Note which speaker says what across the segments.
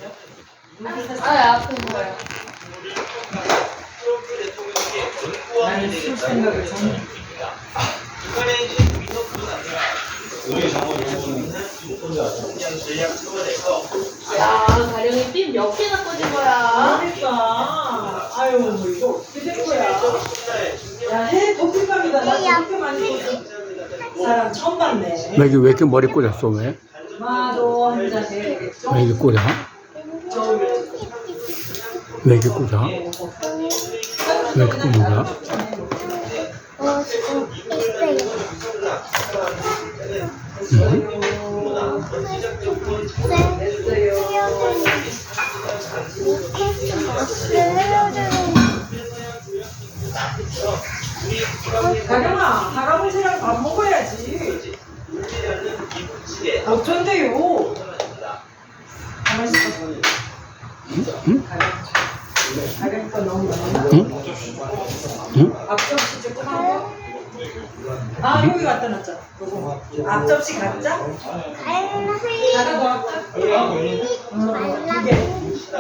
Speaker 1: 아픈 거예요.
Speaker 2: 나는 술 생각을 전혀.
Speaker 1: 야, 가령이 핀 몇 개나 꽂은 거야?
Speaker 2: 그러니까. 아유, 뭐 이거 어떻게 된 거야? 야, 해 도핑감이다. 나 저렇게 많이 꽂아. 사람 처음 봤네.
Speaker 3: 왜 이렇게 머리 꽂았어, 왜?
Speaker 2: 마도 한 잔 해야겠죠?
Speaker 3: 왜 이렇게 꽂아? 왜 이렇게 꽂아? 왜 이렇게 꽂는 거야?
Speaker 4: 지금 있어요.
Speaker 2: 가령아, 할아버지랑 밥 먹어야지. 어쩐데요? 가만히 있어. 가령 거 너무 많아.
Speaker 3: 응?
Speaker 2: 앞접시 조금 하고. 아, 여기 갖다 놨자. 요거. 앞접시 갖자? 하나 더 할까? 두 개.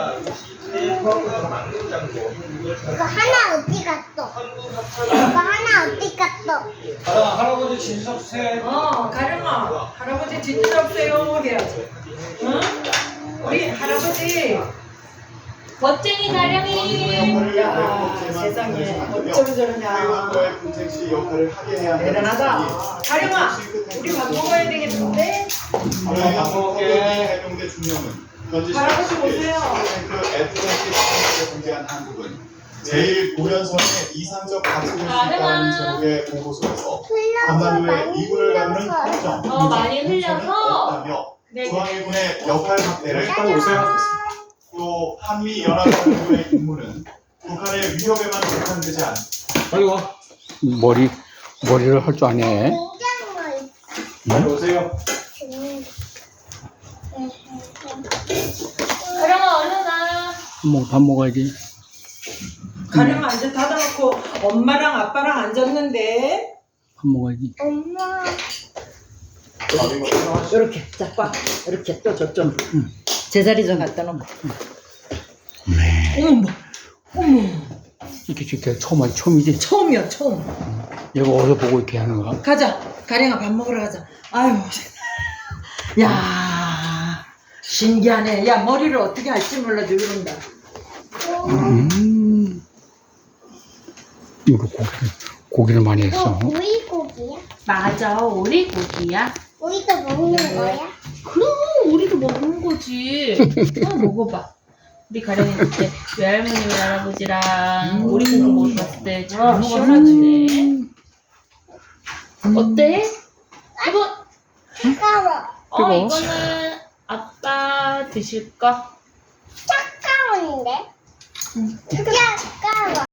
Speaker 4: 이거 하나 어디 갔어? 이거 하나 어디 갔어?
Speaker 5: 할아버지 진석 새.
Speaker 2: 가령아, 할아버지 진주 잡으세요 해야지. 응? 우리 할아버지.
Speaker 1: 멋쟁이 가령이.
Speaker 2: 야, 세상에 어쩜 저러냐.
Speaker 6: 회원과의 분택시 역할을 하게 해야 하는
Speaker 2: 대단하다. 가령아, 우리 밥 먹어야 되겠는데?
Speaker 6: 밥 먹게 해병대 중령은 현지
Speaker 2: 할아버지 보세요.
Speaker 6: 그 애틀랜틱 상황에 공개한 한국은 제일 고연선의 이상적 가치를 있다는 제목의 보고서에서 한반도의 미군을 다루는 협정,
Speaker 1: 많이 흘려서.
Speaker 6: 없다며
Speaker 2: 네.
Speaker 6: 중앙일군의 역할 확대를 오세요. 또 한미 연합군의 임무는 북한의 위협에만 국한되지 않.
Speaker 5: 빨리 와.
Speaker 3: 머리를 할 줄 아네.
Speaker 6: 빨리 오세요.
Speaker 1: 가령아, 얼른 와.
Speaker 3: 밥 먹어야지.
Speaker 2: 가령아 이제 닫아놓고 엄마랑 아빠랑 앉았는데.
Speaker 3: 밥 먹어야지.
Speaker 4: 엄마.
Speaker 2: 이렇게 자, 이렇게 또 저쪽 제자리 좀 갖다 놓고.
Speaker 3: 이렇게 처음이지.
Speaker 2: 처음이야 처음.
Speaker 3: 얘가 어디서 보고 이렇게 하는 거야?
Speaker 2: 가자. 가령아 밥 먹으러 가자. 아유. 야 신기하네. 야 머리를 어떻게 할지 몰라도 이런다.
Speaker 3: 이거 고기를 많이 했어.
Speaker 4: 오이고기야?
Speaker 1: 맞아, 오리고기야.
Speaker 4: 오이도 먹는 거야?
Speaker 1: 그럼 우리도 먹는 거지. 먹어봐. 우리 가령이 그때 외할머니 외할아버지랑 오리고기 먹으러 갔을 때 잘 먹었는데. 어때? 이거
Speaker 4: 차가워.
Speaker 1: 이거는 아빠 드실까?
Speaker 4: 차가운데? 차가워.